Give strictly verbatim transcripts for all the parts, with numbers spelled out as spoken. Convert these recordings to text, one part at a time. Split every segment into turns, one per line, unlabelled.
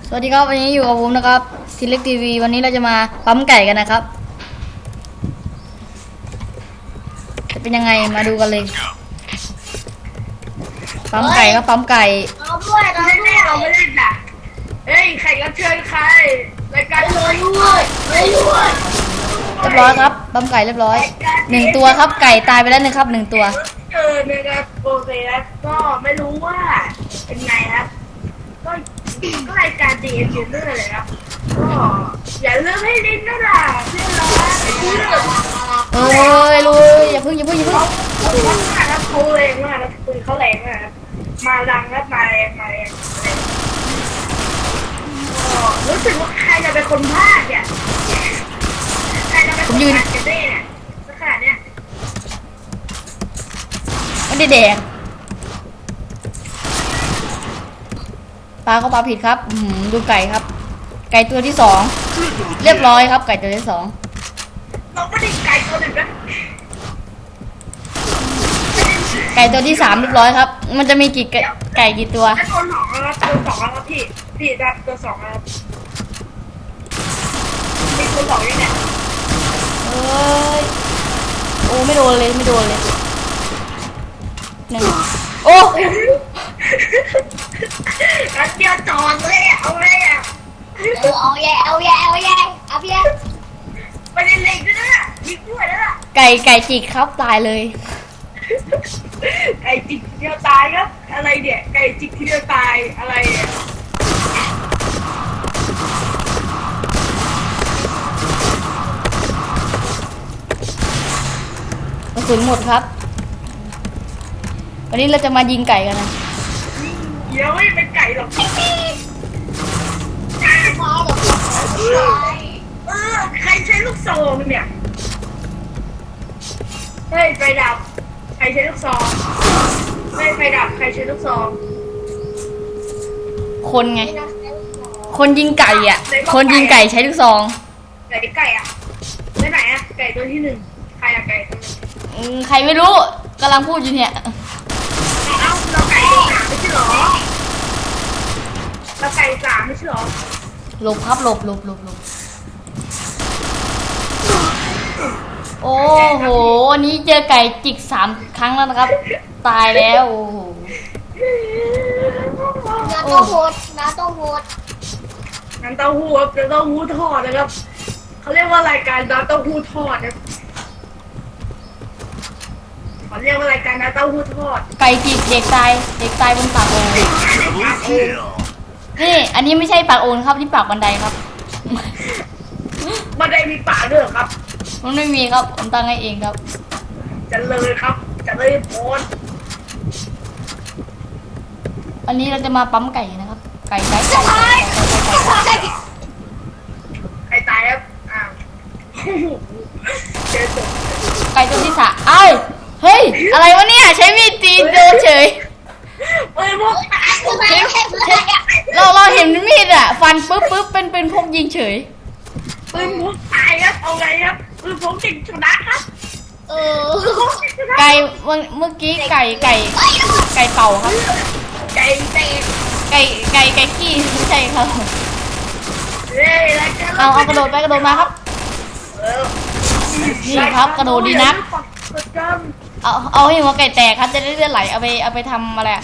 สวัสดีครับวันนี้อยู่กับผมนะครับทีเล็กทีวีวันนี้เราจะมาปั๊มไก่กันนะครับจะเป็นยังไงมาดูกันเลยปั๊มไก่ก็ปั๊มไก่
เราด้วยเราด้วยเราไม่เล่นอ่ะเฮ้ยใครรับเชิญใครรายการเลยด้วยเลยด้วย
เรียบร้อยครับปั๊มไก่เรียบร้อยหนึ่งตัวครับไก่ตายไปแล้วหนึ่งครับหนึ่งตัว
เออนะครับโอเคครับก็ไม่รู้ว่าเป็นไงครับก็ก็รายการดีเอ็มยูเนอร์เลยครับก็อย่าลืมให้ลิ้นนะล่ะเพื่อนเราเพื่อน
เอ้ยลุยอย่าพึ่งอย่าพึ่งอย่าพึ่ง
เขาเขามากครับเขาแรงมากครับปืนเขาแรงมากครับมาดังครับมาแรงมาแรงรู้สึกว่าใครจะเป็นคนพลาดเนี่ยใครจะเป็นคนพลาดกันแน่เนี่ยสักขนาดเนี้ย
ไม่ได้แดงปลาก็ปลาผิดครับดูไก่ครับไก่ตัวที่สองเรียบร้อยครับไก่ตัวที่สอง
เราไม่ได้ไก่ตัวหนึ่งนะ
ไก่ตัวที่สามเรียบร้อยครับมันจะมีกี่ไก่กี่ตัว
ตัวสองแล้วตัวสองแล้วพี่พี่ดับตัวสองแล้วมีตัวสองยังไง
เอ้ยโอ้ไม่โดนเลยไม่โดนเลยหนึ่งโอ้
รัดเดียวจอดเลยเอาเลยอ่ะ
เออเอาแย่เอาแย่เอาแย่เอาแย่
ไปเล่นเล็กด้วยนะยิงด้วยนะ
ไก่ไก่จิกครับตายเลย
ไก่จิกทีเดียวตายครับอะไรเนี่ยไก่จิกทีเดียวตายอะไรเนี่ย
กระสุนหมดครับวันนี้เราจะมายิงไก่กันนะ
เดี๋ยวไม่เป็นไก่หรอกเออใครใช้ลูกซองเนี่ยเฮ้ยไฟดับใครใช้ลูกซองเฮ้ยไฟดับใครใช้ลูกซอง
คนไงคนยิงไก่อ่ะคนยิงไก่ใช้ลูกซอง
ไก่ไก่อ่ะไปไหนอ่ะไก่ตัวที่หนึ่งใครอะไก่
ใครไม่รู้กำลังพูดอยู่เนี่ย
เอ้าเราไก่สามไม่ใช่หรอเราไก่สามไม่ใช่หรอ
หลบครับหลบหลบหลบหลบโอ้โหวันนี้เจอไก่จิกสามครั้งแล้วนะครับตายแล้วโอ้โห
น้ำเต้าหู้น้ำเต้าหู้
น้ำเต้าหู้ครับน้ำเต้าหู้ทอดนะครับเขาเรียกว่ารายการน้ำเต้าหู้ทอดนะเขาเรียกว่ารายการน้ำเต้าหู้ทอด
ไก่จิกเด็กตายเด็กตายบนปากโอ่งนี่อันนี้ไม่ใช่ปากโอ่งครับที่ปากบันไดครับ
บันไดมีปากด้วยครับ
มันไม่มีครับผมตั้งให้เองครับ
จะเลยครับจะเลยโพน
อันนี้เราจะมาปั๊มไก่นะครับไก่ไก่ไก่ไก่
ไก่ตายครับอ้าว
ไก่ตัวที่สามเอ้ยเฮ้ยอะไรวะเนี่ยใช้มีดตีโดนเฉย
เอ้ยพวก
เราเราเห็นมีดอ่ะฟันปุ๊บปุ๊บเป็นเป็นพวกยิงเฉย
ปืนพวกตายครับเอาไงครับปืนพวกติดชนะครับ
เออ
ไก่เมื่อกี้ไก่ไก่ไก่เป่าครับ
ไก่เตะ
ไก่ไก่ไก่ขี้ไม่ใช่ครับเอาเอากระโดดไปกระโดดมาครับนี่ครับกระโดดดีนักเอาเอาให้หัวไก่แตกครับจะได้เลือดไหลเอาไปเอาไปทำอะไร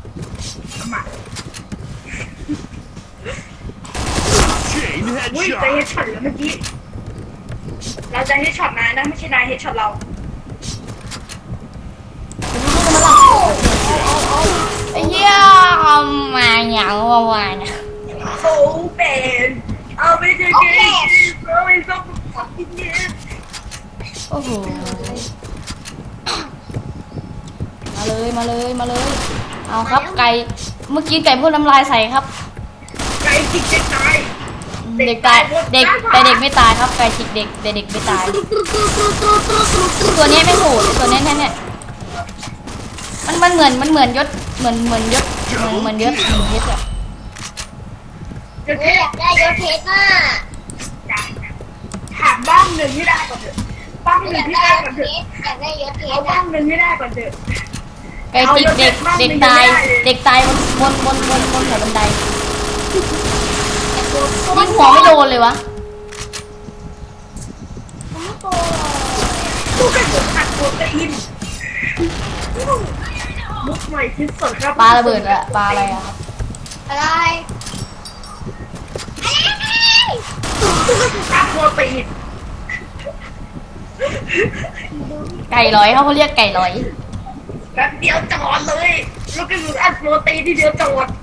อุ้ยจะเฮดช็อตแล้วเมื่อกี้เราจะเฮดช็อตนายนะไม่ใช่นายเฮดช็อตเรา
ไอ้เหี้ยมาอย่างว่าวาน
เขาเป็นเอาไปเจอเกมเอาไปซ่อมขับกินเยอะ
โอ้โหมาเลยมาเลยมาเลยเอาครับไก่เมื่อกี้ไก่พ่นน้ำลายใส่ครับ
ไก่จิกเด็กตาย
เด็กตายเด็กแต่เด็กไม่ตายครับไก่จิกเด็กแต่เด็กไม่ตายตัวนี้ไม่โหดตัวนี้เนี่ยมันมันเหมือนมันเหมือนยศเหมือนเหมือนยศเหมือนเหมือนยศเหมือนยศอะ
อยากได้ยศเพชรมาก
ถามบ้างหนึ่งที่ได้ก่อนเถอะบ้างหนึ่งที่ได้ก่อนเถอะ
อยากได้ยศเพชร
เอาบ้างหนึ่งที่ได้ก่อนเถอะ
ไก่จิกเด็กเด็กตายเด็กตายบนบนบนบนบนแถวบันไดยิงหัวไม่โดนเลยวะ
มันไม่โต
ลูกกระสุนอัดโปรตีนมุกใหม่ที่สุดครับ
ปลาระเบิดอะปลาอะไรอะครับ
อะไร
ลูกกระสุนอัดโปรตีน
ไก่ลอยเขาเขาเรียกไก่ลอย
แป๊บเดียวจอดเลยลูกกระสุนอัดโปรตีนที่เดียวจอด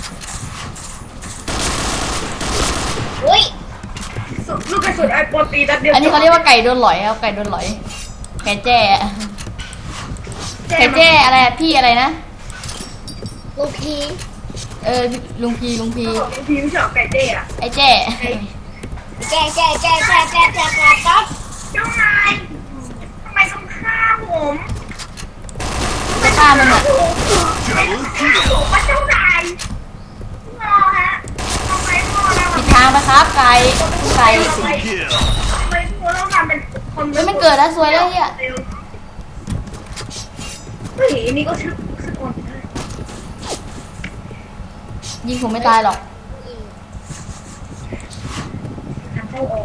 อุ้ย
ลูกกระสุนอัดโปรตีนนัดเดียว
อันนี้เขาเรียกว่าไก่โดนหลอยครับไก่โดนหลอย ไก่แจ้ไก่แจ้อะไรอะพี่อะไรนะ
ลูกพี
เออลุงพีลุงพี
เขาบอกบางทีไม่ชอบไก่เจ๊อะ
ไอ้แจ้
แก่แก่แก่แก่แก่แก่แก่ปั๊บ
เจ้านายทำไมต้องฆ่าผม
จะฆ่ามันอะ
ไม่ต้องฆ่าผมว่าเจ้านายงอฮะทำไมพ่อเรา
ผิดทางนะครับไก่ไก่
ทำไมทำไมพ่อเราทำเป็นคน
เฮ้ยมันเกิดแล้วซวยแล้วเฮีย
เฮ้ยนี่ก็ชื่อสกุลนะ
ยิงผมไม่ตายหรอก
ทางเข้าออก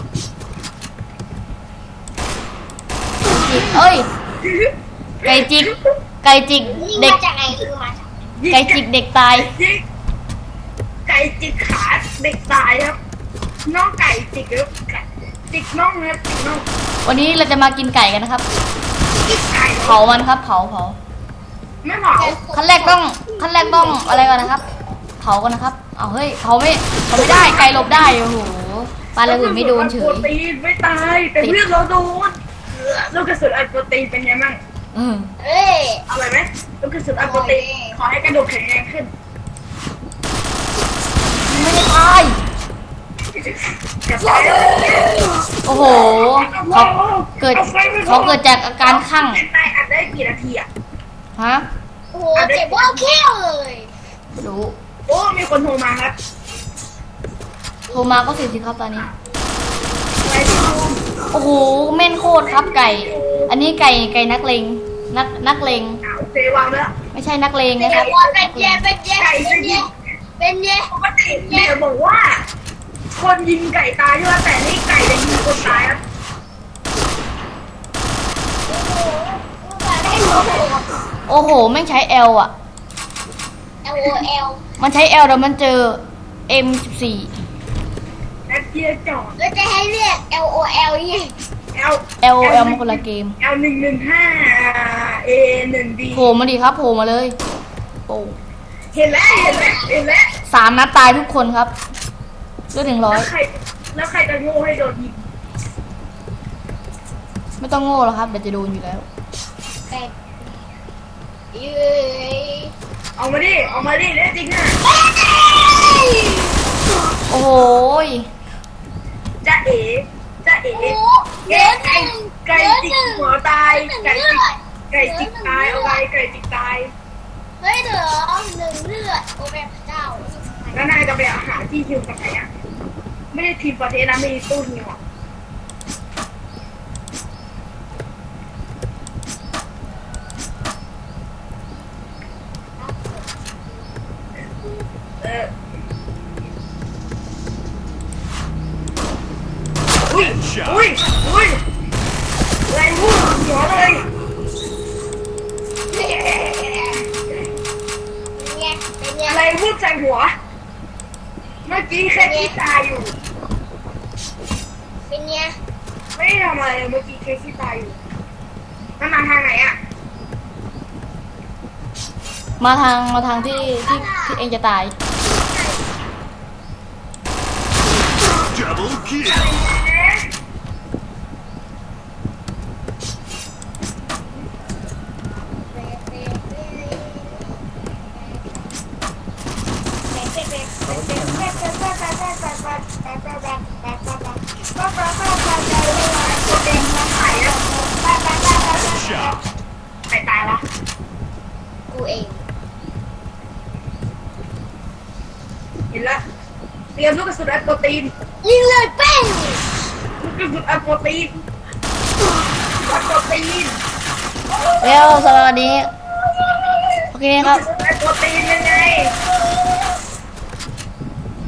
จิกเอ้ย ไก่จิก ไก่จิก
นี่
เด็ก
มาจากไหนคือมาจาก
ไก่จิกเด็กตาย
จิกไก่จิกขาเด็กตายครับน้องไก่จิกครับจิกน้องครับจิกน้อง
วันนี้เราจะมากินไก่กันนะครับ
จิกไก่
เผามันครับ เผาเผา
ไม่เผา
ขั้นแรกต้องขั้นแรกต้องอะไรก่อนนะครับ เผากันนะครับ เอาเฮ้ยเผาไม่เผาไม่ได้ไก่หลบได้โอ้โหปลาระเบิดไม่โดนเฉ
โปร
ย
ตีนไม่ตายแต่เพื่อนเราโดนลูกกระสุนอัดโปรตีนเป็นไงบ้าง
อืม
เอ้ย
อร่อยไหมลูกกระสุนอัดโปรตีนขอให้กระดูกแข็งแรงขึ้น
ไม่ได้ตาย
กระต่าย
โอ้โหเขาเกิดเขาเกิดจากอาการคลั่ง
นายอัดได้กี่นาทีอ่ะ
ฮะ
โอ้โหเจ็บว่าแค่เลย
ไม่รู้
โอ้มีคนโทรมาครับ
โทรมาก็เสียสิครับตอนนี้
ไปที่ห้อง
โอ้โหแม่นโคตรครับไก่ อันนี้ไก่ไก่นักเลงนักนักเลง
เอาเซวางแล้ว
ไม่ใช่นักเลง
เป็น
นะค
ไง
รับ
ว่าเป็นไงเป็นไงเป็นไงเป็นไง
ปกติเนี่ยบอกว่า คนยิงไก่ตายใช่ไหมแต่นี่ไก่จะยิงคนตายครับ
ได้หัวโผล่
โอ้โหแม่งใช้ L อ่ะ
L O L
มันใช้ L แต่มันเจอ เอ็ม สิบสี่
แอปเจียจอด
แล้วจะให้เรียก L O L ยังไง
L
L L มันคนละเกม
L หนึ่งหนึ่งห้า A หนึ่ง D
โผล่มาดิครับโผล่มาเลยโอ้
เห็นแล้วเห็นแล้วเห็นแล้ว
สามนัดตายทุกคนครับเลือดหนึ่งร้อย
แล้วใครแล้วใครจะโง่ให้โดนยิง
ไม่ต้องโง่หรอกครับเดี๋ยวจะโดนอยู่แล้ว
แต่เย้ย
เอามาดิเอามาดิเล่นจริงอ่ะ
โอ้โหย
จะเอ๋จะเอ๋
โอ้โหเย
ไก่
อะห
ไก่
นึ่ง
ไก่
เยอะ
จิก
หนึ่ง
หัวตาย
หนึ่ง
ไก่
เลื
จิ
อก ด
ไก่จิกตายเอาไปไก่จิกตาย
เฮ้ยเดี๋ยวหนึ่งเลือดโอ้แม่พระเจ้า
แล้วนายจะไปหาที่ฮิวกับใครอ่ะไม่ได้ทีมประเทศนะมีตู้ฮิวอ่ะเอออุ้ยอุ้ยอุ้ยอะไรพูดหัวเลย
เป็นไงเป็นไง
อะไรพูดใส่หัว เมื่อกี้แค่ที่ตายอยู่
เป็นไง
ไม่ได้ทำอะไรเลยเมื่อกี้แค่ที่ตายอยู่มันมาทางไหนอ่ะ
มาทางมาทางที่ที่ที่เองจะตาย
Double kill.
ใครตายวะ
กูเอง
เห็นแล้วเตรียมลูกกระสุนอัดโปรตีน
ยิงเลยเป้ง
ลูกกระสุนอัดโปรตีนอัดโปรตีน
แล้วสำหรับวันนี้โอเค
ลูก
ครับ
กระสุนอัดโปรตีนยังไง